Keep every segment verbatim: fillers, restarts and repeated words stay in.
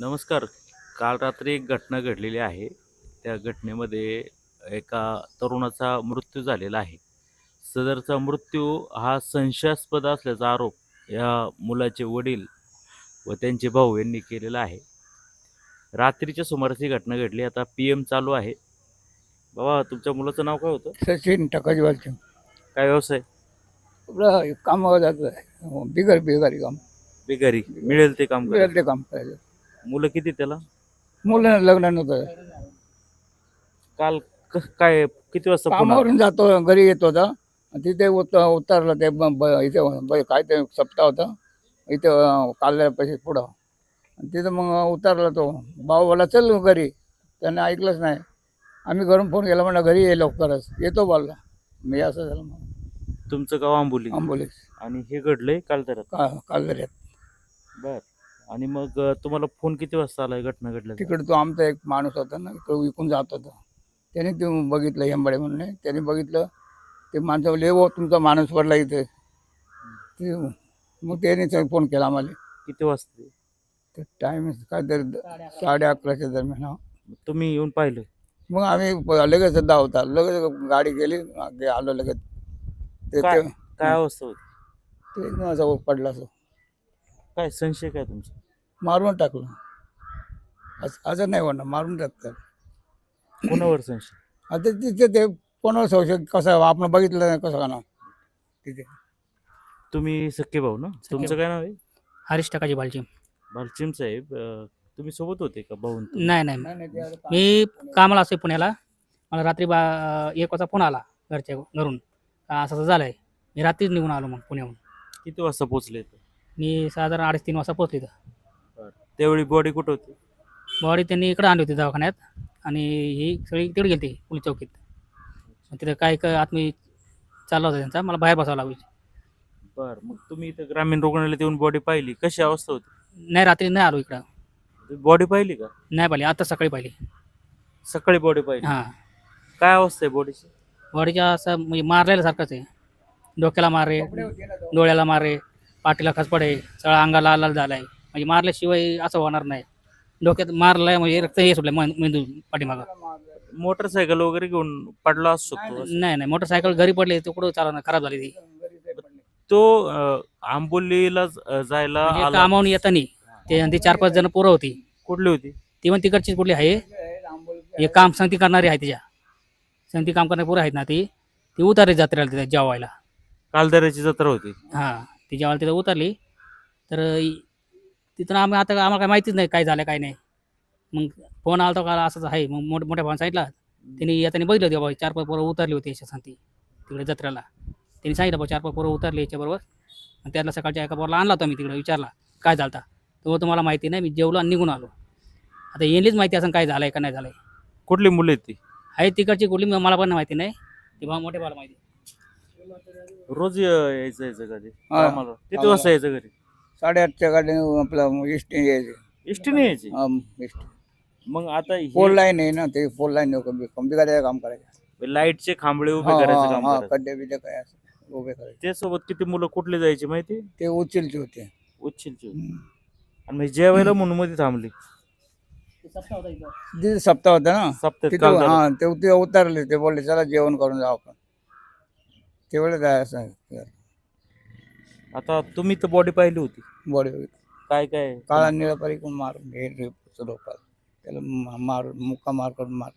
नमस्कार. काल रात्री एक घटना घडलेली आहे. त्या घटनेमध्ये एका तरुणाचा मृत्यू झालेला आहे. सदरचा मृत्यू हा संशयास्पद असल्याचा आरोप या मुलाचे वडील व त्यांचे भाऊ यांनी केलेला आहे. रात्रीच्या सुमारास ही घटना घडली. आता पी-एम चालू आहे. बाबा, तुमच्या मुलाचं नाव काय होतं? सचिन टकाजीवालचे काय व्यवसाय? आपलं कामावर जातं आहे बिगर बिगारी काम बेघरी. मिळेल ते काम मिळेल करायचं. ते काम करायचं. मुलं किती त्याला? मुलं लग्न नव्हतं. काल क काय किती वाजता पुन्हा? कामावरून जातो घरी येत होता आणि तिथे उत उतरलं ते ब- ब- इथे ब- काय ते सप्ताह होता इथे काढल्यापाशी पुढं आणि तिथं मग उतरला तो भाऊ बोला चल घरी. त्यानं ऐकलंच नाही. आम्ही घरून फोन केला म्हणलं घरी ये लवकरच. येतो बोलला. मी असं झालं मग तुमचं गाव आंबोली आंबोलीस आणि हे घडलंय काल तर. का कालदऱ्यात. बर. आणि मग अ, तुम्हाला फोन किती वाजता आलाय घटना घडल्या? तिकडे तो आमचा एक माणूस होता ना इकडे विकून जात होता. त्याने ते बघितलं हेंबाडे म्हणून आहे. त्याने बघितलं ते माणसं बोलले हो तुमचा माणूस पडला इथे. ते मग त्याने फोन केला आम्हाला. किती वाजता ते? ते टाईम काहीतरी साडे अकराच्या दरम्यान. हा. तुम्ही येऊन पाहिलं? मग आम्ही प- लगेच धावता लगेच गाडी गेली गे- आलो लगेच. ते काय ते काय अवस्था होती? ते माझा पडला असं काय संशय काय तुमचा? मारून टाकलं. आज असं नाही होणार मारून टाकतात. कोणावर संशय? आता तिथे ते कोणावर संशय कसं आपण बघितलं नाही कसं का ना तिथे. तुम्ही सख्खे भाऊ ना? तुमचं काय नाव आहे? हरीश टकाजी बालची. भालचिम साहेब, अ, तुम्ही सोबत होते का भाऊ? नाही नाही नाही, नाही, ते आता मी कामाला असते पुण्याला. मला रात्री बा एक वाजता फोन आला घरच्या घरून का असं असं झालं आहे. मी रात्रीच निघून आलो मग पुण्याहून. किती वाजता पोहोचले इथं? मी साधारण अडीच तीन वाजता पोहोचलो इथं. त्यावेळी बॉडी कुठं होती? बॉडी त्यांनी इकडं आणली होती दवाखान्यात आणि ही सगळी तिकडे गेली पोलीस चौकीत. मग तिथं काय काय आतमी चालला होता त्यांचा. मला बाहेर बसावं लागायचं. बर. मग तुम्ही इथं ग्रामीण रुग्णालयात येऊन बॉडी पाहिली, कशी अवस्था होती? नाही रात्री नाही आलो इकडं. बॉडी पाहिली का? नाही पाहिली. आता सकाळी पाहिली. सकाळी बॉडी पाहिली. हां. काय अवस्था आहे बॉडीची? बॉडीच्या असं म्हणजे मारलेल्यासारखंच आहे. डोक्याला मारे, डोळ्याला मारे, पाठीला खसपडे, सगळं अंगाला लाल झालं आहे. म्हणजे मारल्याशिवाय असं होणार नाही. डोक्यात मारलंय म्हणजे रक्त हे सुटलं मेंदू पाठीमागं. मोटरसायकल वगैरे घेऊन पडला असू शकतो. नाही नाही मोटरसायकल घरी पडली ते कुठं चालवणार खराब झाली ती. तो अ, आंबोलीला ज- जायला म्हणजे आला. कामावून येतानी ते आणि ती चार पाच जण पोरं होती. कुठली होती? ती पण तिकडचीच कुठली आहे. हे काम संगती करणारी आहे तिच्या. संगती काम करणारी पोरं आहेत ना ती ती उतारली जत्रेला तिथे जेवायला. कालदऱ्याची जत्रा होती. हां ती जेवायला तिथं उतरली तर इ- तिथून आम्ही आता आम्हाला काय माहितीच नाही काय झालं काय नाही. मग फोन आला का असंच आहे. मग मोठ मोठ्या भावानं सांगितलं. त्यांनी येताना बघितलं होते बाबा चार पाच पोरं उतरली होती याच्या सांगती तिकडे जत्रेला. त्यांनी सांगितलं बाबा चार पाच पोरं उतरली याच्याबरोबर. आणि त्यातला सकाळच्या एका पोराला आणला होता मी तिकडे विचारला काय झालं होता. तो तुम्हाला माहिती नाही. मी जेवलो आणि निघून आलो. आता येणलीच माहिती असं काय झालं आहे का नाही झालं आहे. कुठली मुलं आहेत ती? आहे तिकडची कुठली मला पण माहिती नाही. ती भाऊ मोठे भावाला माहिती. रोज य- यायचं यायचं कधी हा. आम्हाला किती वाजता यायचं घरी? साडेआठच्या गाडीने आपलं इष्टी यायचे. एसटीने यायची? हा, इष्टी. मग आता फोर हे लाईन आहे ना ते फोर लाईन कंपी करायचं काम करायचं. लाईटचे खांबळे उभे हा, करायचं हा, काम हा, करायचं. खड्डे बिड्डे काय असं उभे करायचे. त्यासोबत किती मुलं कुठले जायची माहिती? ते उचलचे होते. उच्चिलची होती. हम्म. आणि मग जेवायला म्हणून मध्ये थांबली. तिथे सप्ताह होता ना सप्त्यात तिथे. कालदऱ्यात. हा ते ते उतरले ते बोलले चला जेवण करून जाऊ आपण. तेवढं काय असं आता तुम्ही तर बॉडी पाहिली होती. बॉडी काय काय काळा निळा परिकून मारून घे डोक्यात त्याला मा- मार मुक्का मार करून मार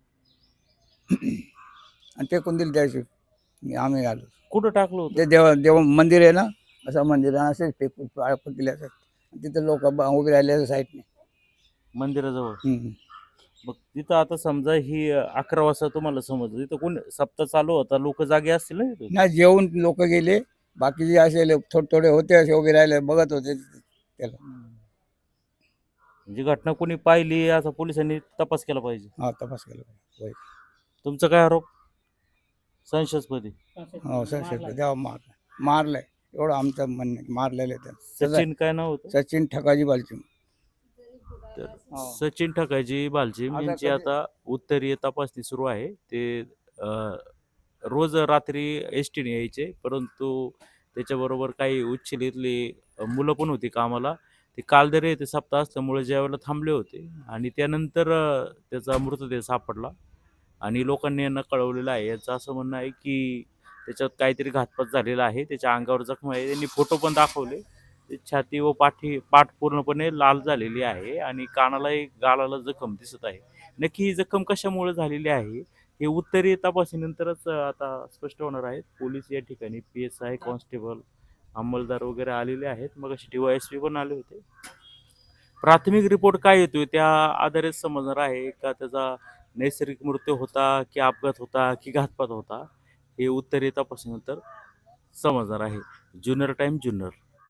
आणि ते कोण दिले त्याशी मी आम्ही आलो. कुठं टाकलं होतं? ते देव देव मंदिर आहे ना असं मंदिर आहे असेच फेकून पाळपून दिले असतात. तिथे लोक उभे राहिले साईडने. मंदिराजवळ. हम्म. मग तिथं आता समजा ही अ, अकरा वाजता तुम्हाला समजलं तिथं कोण सप्ताह चालू होता, लोक जागे असतील ना तिथं? नाही जेवून लोक गेले. बाकीचे असे लोक थोडे थोडे होते असे उभे राहिले बघत होते त्याला. म्हणजे घटना कोणी पाहिली असा पोलिसांनी तपास केला पाहिजे. हा तपास केला पाहिजे. तुमचा काय आरोप? संशयास्पदी. हो सर सर देवा मार मारलंय एवढं आमचं म्हणणं आहे. मारलेलं आहे त्यानं. सचिन काय नाव होतं? सचिन ठकाजी बालची. तर हो. सचिन ठकाजी बालचिम आता यांची कधी- आता उत्तरीय तपासणी सुरू आहे. ते अ, रोज रात्री एस टीने यायचे, परंतु त्याच्याबरोबर काही उच्चलीतली मुलं पण होती कामाला. ते कालदरे येथे सप्ताह असल्यामुळे ज्यावेळेला थांबले होते आणि त्यानंतर अ, त्याचा मृतदेह सापडला आणि लोकांनी यांना कळवलेलं आहे. याचं असं म्हणणं आहे की त्याच्यात काहीतरी घातपात झालेला आहे. त्याच्या अंगावर जखमा आहे. त्यांनी फोटो पण दाखवले. ते छाती व पाठी पाठ पूर्णपणे लाल झालेली आहे आणि कानालाही गालाला जखम दिसत आहे. नक्की ही जखम कशामुळे झालेली आहे हे उत्तरीय तपासणीनंतरच अ, आता स्पष्ट होणार आहे. पोलीस या ठिकाणी पी एस आय, कॉन्स्टेबल, अंमलदार वगैरे आलेले आहेत. मगाशी डी वाय एस पी पण आले होते. प्राथमिक रिपोर्ट काय येतोय त्या आधारेच समजणार आहे का त्याचा नैसर्गिक मृत्यू होता की अपघात होता की घातपात होता हे उत्तरीय तपासणीनंतर समजणार आहे. जुन्नर टाइम जुन्नर